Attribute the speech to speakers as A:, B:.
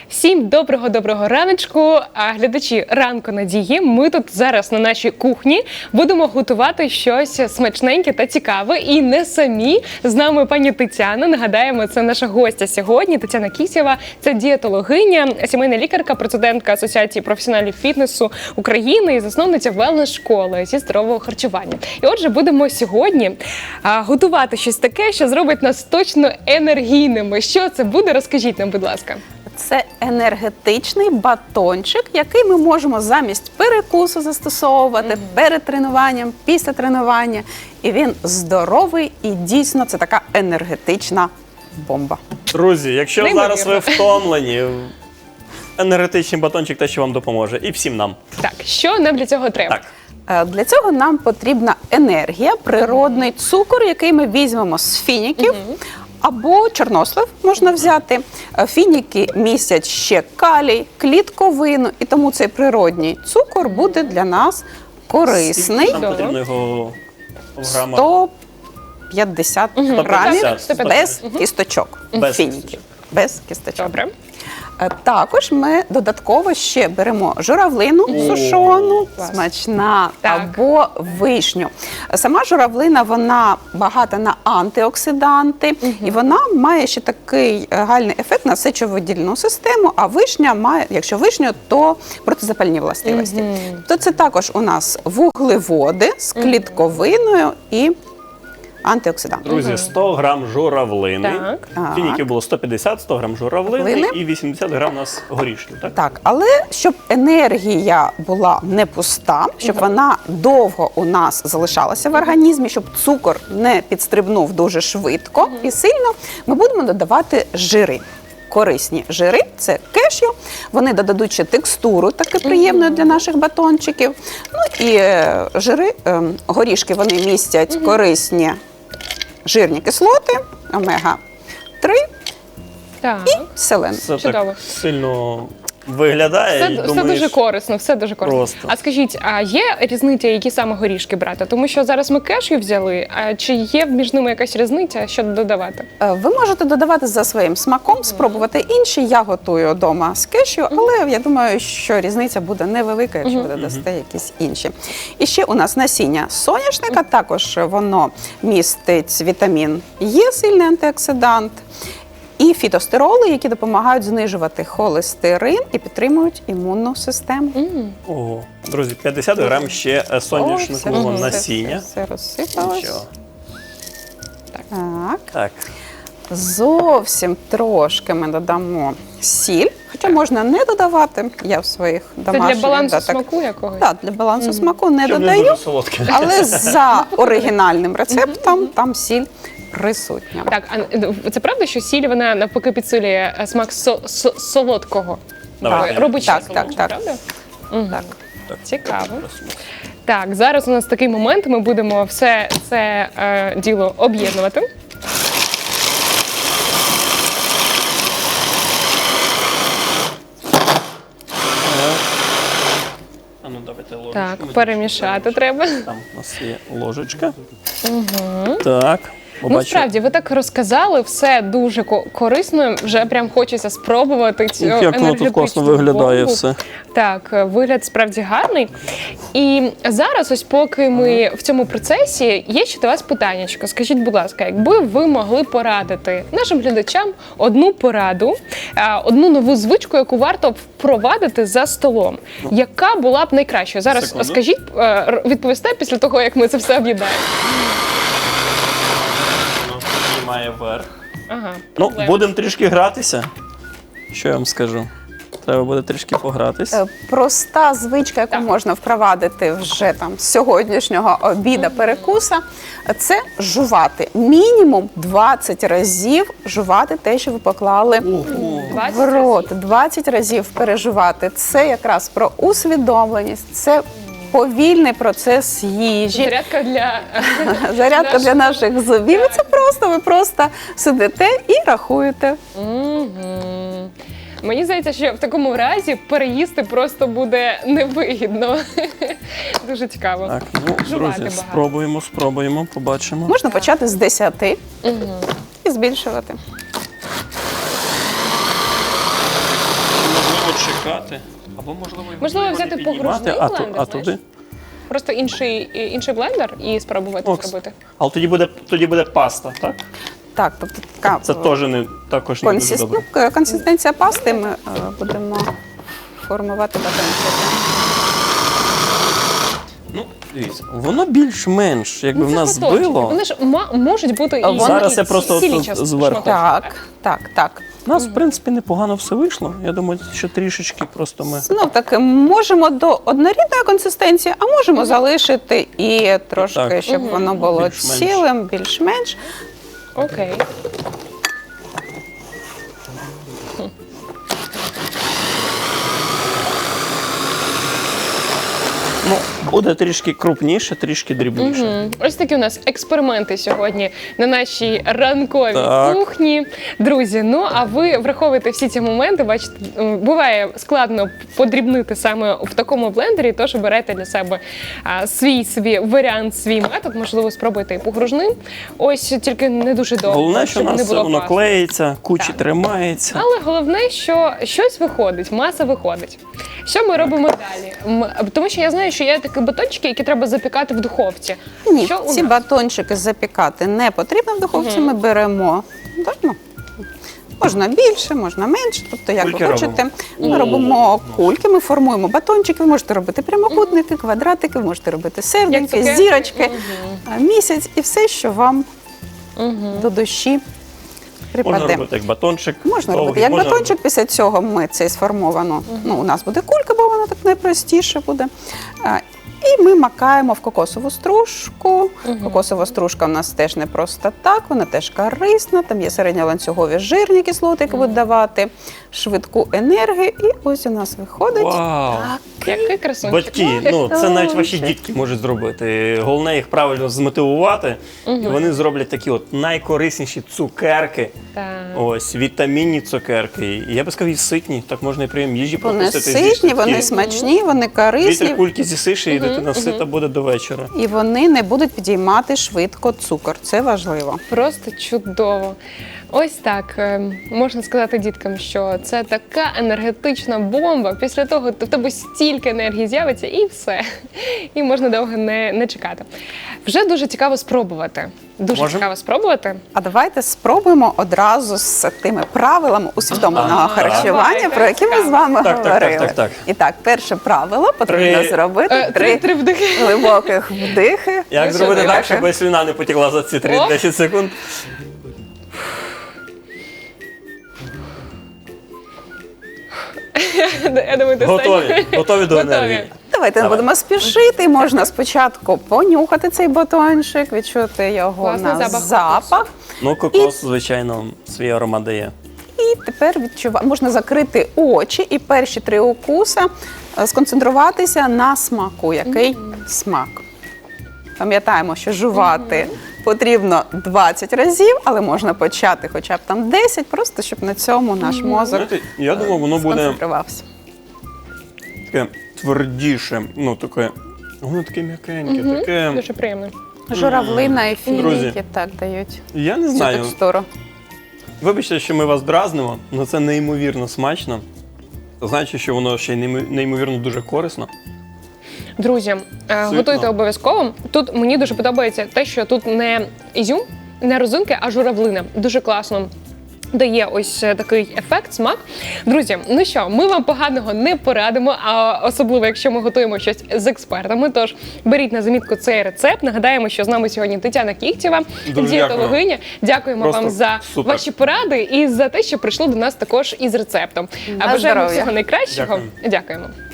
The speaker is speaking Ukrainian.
A: Всім доброго раночку, глядачі ранку Надії. Ми тут зараз на нашій кухні будемо готувати щось смачненьке та цікаве. І не самі. З нами пані Тетяна. Нагадаємо, це наша гостя сьогодні. Тетяна Кісєва. Це дієтологиня, сімейна лікарка, президентка Асоціації професіоналів фітнесу України і засновниця велнес-школи зі здорового харчування. І отже, будемо сьогодні готувати щось таке, що зробить нас точно енергійними. Що це буде? Розкажіть нам, будь ласка.
B: Це енергетичний батончик, який ми можемо замість перекусу застосовувати перед тренуванням, після тренування. І він здоровий і дійсно це така енергетична бомба.
C: Друзі, якщо зараз ви втомлені, енергетичний батончик те, що вам допоможе. І всім нам.
A: Так, що нам для цього треба?
C: Так.
B: Для цього нам потрібна енергія, природний цукор, який ми візьмемо з фініків. Або чорнослив можна взяти. Фініки містять ще калій, клітковину, і тому цей природній цукор буде для нас корисний.
C: Нам потрібно його в грамах.
B: 150 грамів
C: 150.
B: без кісточок.
C: Без
B: фініків.
C: кісточок.
B: Без кісточок.
A: Добре.
B: Також ми додатково ще беремо журавлину сушону, смачна,
A: Так.
B: або вишню. Сама журавлина, вона багата на антиоксиданти, і вона має ще такий гальний ефект на сечовидільну систему, а вишня має, якщо вишню, то протизапальні властивості. То це також у нас вуглеводи з клітковиною і антиоксиданти.
C: Друзі, 100 грам журавлини.
A: Так.
C: Фініків було 150, 100 грам журавлини
B: Журавлини.
C: і 80 грам у нас горішків. Так?
B: Так, але щоб енергія була не пуста, щоб вона довго у нас залишалася в організмі, щоб цукор не підстрибнув дуже швидко і сильно, ми будемо додавати жири. Корисні жири – це кешю, вони додадуть ще текстуру, таке приємною для наших батончиків. Ну і жири, горішки, вони містять корисні жирні кислоти, омега-3
A: Так.
B: і селен.
C: Це
A: Чудово.
C: так сильно виглядає. і
A: Все
C: думаєш,
A: дуже корисно, все дуже корисно.
C: Просто.
A: А скажіть, а є різниця, які саме горішки брати? Тому що зараз ми кешю взяли, а чи є між ними якась різниця, що додавати?
B: Ви можете додавати за своїм смаком, спробувати інші. Я готую вдома з кешю, але я думаю, що різниця буде невелика, якщо ви додасте якісь інші. І ще у нас насіння соняшника, також воно містить вітамін Е, сильний антиоксидант, і фітостероли, які допомагають знижувати холестерин і підтримують імунну систему.
C: Ого. Друзі, 50 грам ще соняшникового насіння.
B: Все розсипалось.
C: Нічого.
B: Так.
C: Так.
B: Зовсім трошки ми додамо сіль, хоча можна не додавати. Я в своїх
A: Це
B: домашніх...
A: для балансу
B: так,
A: смаку якогось?
B: Так, для балансу смаку не
C: Щоб не
B: додаю,
C: дуже солодке.
B: але за оригінальним рецептом там сіль присутня.
A: Так, а це правда, що сіль, вона навпаки підсилює смак солодкого?
C: Давай.
A: Робить ще
B: Так,
A: солодше,
B: так.
A: правда?
B: Так.
A: Цікаво. Так, зараз у нас такий момент, ми будемо все це діло об'єднувати.
C: А ну давайте ложечку.
A: Так,
C: Ми
A: перемішати
C: тут
A: треба.
C: Там у нас є ложечка. Так.
A: Ну,
C: Побачу.
A: справді, ви так розказали, все дуже корисно, вже прям хочеться спробувати цю
C: Як воно тут
A: енергетичну
C: класно виглядає
A: бомбу.
C: все.
A: Так, вигляд справді гарний. І зараз, ось поки ми в цьому процесі, є ще до вас питаннячко. Скажіть, будь ласка, якби ви могли порадити нашим глядачам одну пораду, одну нову звичку, яку варто впровадити за столом, яка була б найкращою? Зараз
C: Секунду.
A: скажіть, відповісте після того, як ми це все об'єднаємо.
C: Воно піднімає вверх.
A: Ага.
C: Ну,
A: проблема.
C: будемо трішки гратися. Що я вам скажу? Треба буде трішки погратись.
B: Проста звичка, яку можна впровадити вже там з сьогоднішнього обіда, перекуса, це жувати. Мінімум 20 разів жувати те, що ви поклали
A: 20
B: в рот. 20 разів пережувати. Це якраз про усвідомленість, це повільний процес їжі.
A: Зарядка для...
B: Зарядка для наших зубів. І це просто, ви просто сидите і рахуєте.
A: Мені здається, що в такому разі переїсти просто буде невигідно. Дуже цікаво.
C: Так, ну,
A: Жувати
C: друзі,
A: багато.
C: спробуємо, побачимо.
B: Можна почати з 10 і збільшувати.
C: почекати. Або, можливо,
A: Можливо,
C: не
A: взяти
C: піднімати,
A: погружний
C: а
A: блендер, знаєш?
C: туди.
A: Просто інший блендер і спробувати
C: Окс.
A: зробити.
C: Але тоді буде паста, так?
B: Так, тобто така
C: Це теж також не дуже добре.
B: консистенція пасти, ми будемо формувати батончики.
C: Ну, дивіться, воно більш-менш, якби в
A: Ну, це
C: нас
A: батончики.
C: збило.
A: Вони ж можуть бути і
C: Зараз я просто
A: цілі
C: тут
A: частини,
C: зверху.
A: шматочки.
B: Так.
C: У нас, в принципі, непогано все вийшло. Я думаю, що трішечки просто ми.
B: Знов таки, можемо до однорідної консистенції, а можемо залишити і трошки,
C: Так.
B: щоб воно було
C: Більш-менш.
B: цілим, більш-менш.
A: Окей.
C: Ну, буде трішки крупніше, трішки дрібніше.
A: Ось такі у нас експерименти сьогодні на нашій ранковій
C: Так.
A: кухні. Друзі, ну а ви враховуєте всі ці моменти. Бачите, буває складно подрібнити саме в такому блендері, тож обирайте для себе свій варіант, свій метод. Можливо, спробуйте і погружним. Ось тільки не дуже довго.
C: Головне, що у
A: щоб не
C: нас
A: було
C: воно
A: пасти.
C: клеїться, кучі
A: Так.
C: тримається.
A: Але головне, що щось виходить, маса виходить. Що ми робимо далі? Тому що я знаю, що є такі батончики, які треба запікати в духовці.
B: Ні,
A: Що у
B: ці
A: нас?
B: батончики запікати не потрібно в духовці. Ми беремо, можна більше, можна менше, тобто як
C: Кульки
B: ви хочете.
C: робимо?
B: Ми робимо кульки, ми формуємо батончики, ви можете робити прямокутники, квадратики, ви можете робити серденьки,
A: цукерки.
B: зірочки, місяць і все, що вам до душі
C: Можна
B: припаде.
C: робити як батончик.
B: Можна
C: довгий,
B: робити як
C: можна
B: батончик, після цього ми це сформовано. У нас буде кулька, бо вона так найпростіше буде. І ми макаємо в кокосову стружку. Кокосова стружка у нас теж не просто так, вона теж корисна. Там є середньоланцюгові жирні кислоти, які будуть давати швидку енергію. І ось у нас виходить.
C: Вау!
A: Який красунчик.
C: Батьки, ну це навіть ваші дітки можуть зробити. Головне їх правильно змотивувати, і вони зроблять такі от найкорисніші цукерки.
A: Так.
C: Ось вітамінні цукерки. І я би сказав, і ситні. Так можна і прийом їжі
B: Вони
C: пропустити.
B: ситні, вони смачні, вони корисні.
C: 2-3 кульки з'їсиш, і дитина сита буде до вечора.
B: І вони не будуть підіймати швидко цукор. Це важливо.
A: Просто чудово. Ось так можна сказати діткам, що це така енергетична бомба. Після того в тебе стільки енергії з'явиться і все. І можна довго не чекати. Вже дуже цікаво спробувати. Дуже
C: Можем?
A: цікаво спробувати.
B: А давайте спробуємо одразу з тими правилами усвідомленого харчування,
A: Давайте,
B: про які ми з
A: цікаво.
B: вами
C: Так.
B: говорили.
C: Так.
B: І так, перше правило потрібно
C: Три.
B: зробити
A: Три вдихи.
B: глибоких вдихи.
C: Як
A: Ну,
C: зробити
A: що,
C: так,
B: давайте.
C: щоб слюна не потекла за ці
A: О.
C: 3-10 секунд?
A: Я думаю, достатньо.
C: Готові до енергії.
B: Давайте не
C: Давай.
B: будемо спішити. Можна спочатку понюхати цей батончик, відчути його
A: Класний
B: на
A: запах
B: запах.
C: Ну, кокос, звичайно, свій аромат дає.
B: І тепер можна закрити очі і перші 3 укуси сконцентруватися на смаку. Який смак? Пам'ятаємо, що жувати потрібно 20 разів, але можна почати хоча б там 10, просто щоб на цьому наш мозок
C: Знаєте, я думав, воно буде
B: сконцентрувався.
C: таке твердіше, ну таке, воно таке м'якеньке, таке.
A: Дуже приємно.
B: Журавлина і
C: Друзі.
B: фініки так дають
C: Я не
B: цю
C: знаю.
B: текстуру.
C: Вибачте, що ми вас дразнимо, але це неймовірно смачно. Значить, що воно ще й неймовірно дуже корисно.
A: Друзі, готуйте обов'язково. Тут мені дуже подобається те, що тут не ізюм, не розинки, а журавлина. Дуже класно дає ось такий ефект, смак. Друзі, ну що, ми вам поганого не порадимо, а особливо, якщо ми готуємо щось з експертами. Тож беріть на замітку цей рецепт. Нагадаємо, що з нами сьогодні Тетяна Кіхтєва,
C: Дуже
A: дієтологиня. Дякуємо
C: Просто
A: вам за
C: супер.
A: ваші поради і за те, що прийшли до нас також із рецептом.
B: На
A: Бажаємо
B: здоров'я.
A: всього найкращого.
C: Дякую.
A: Дякуємо.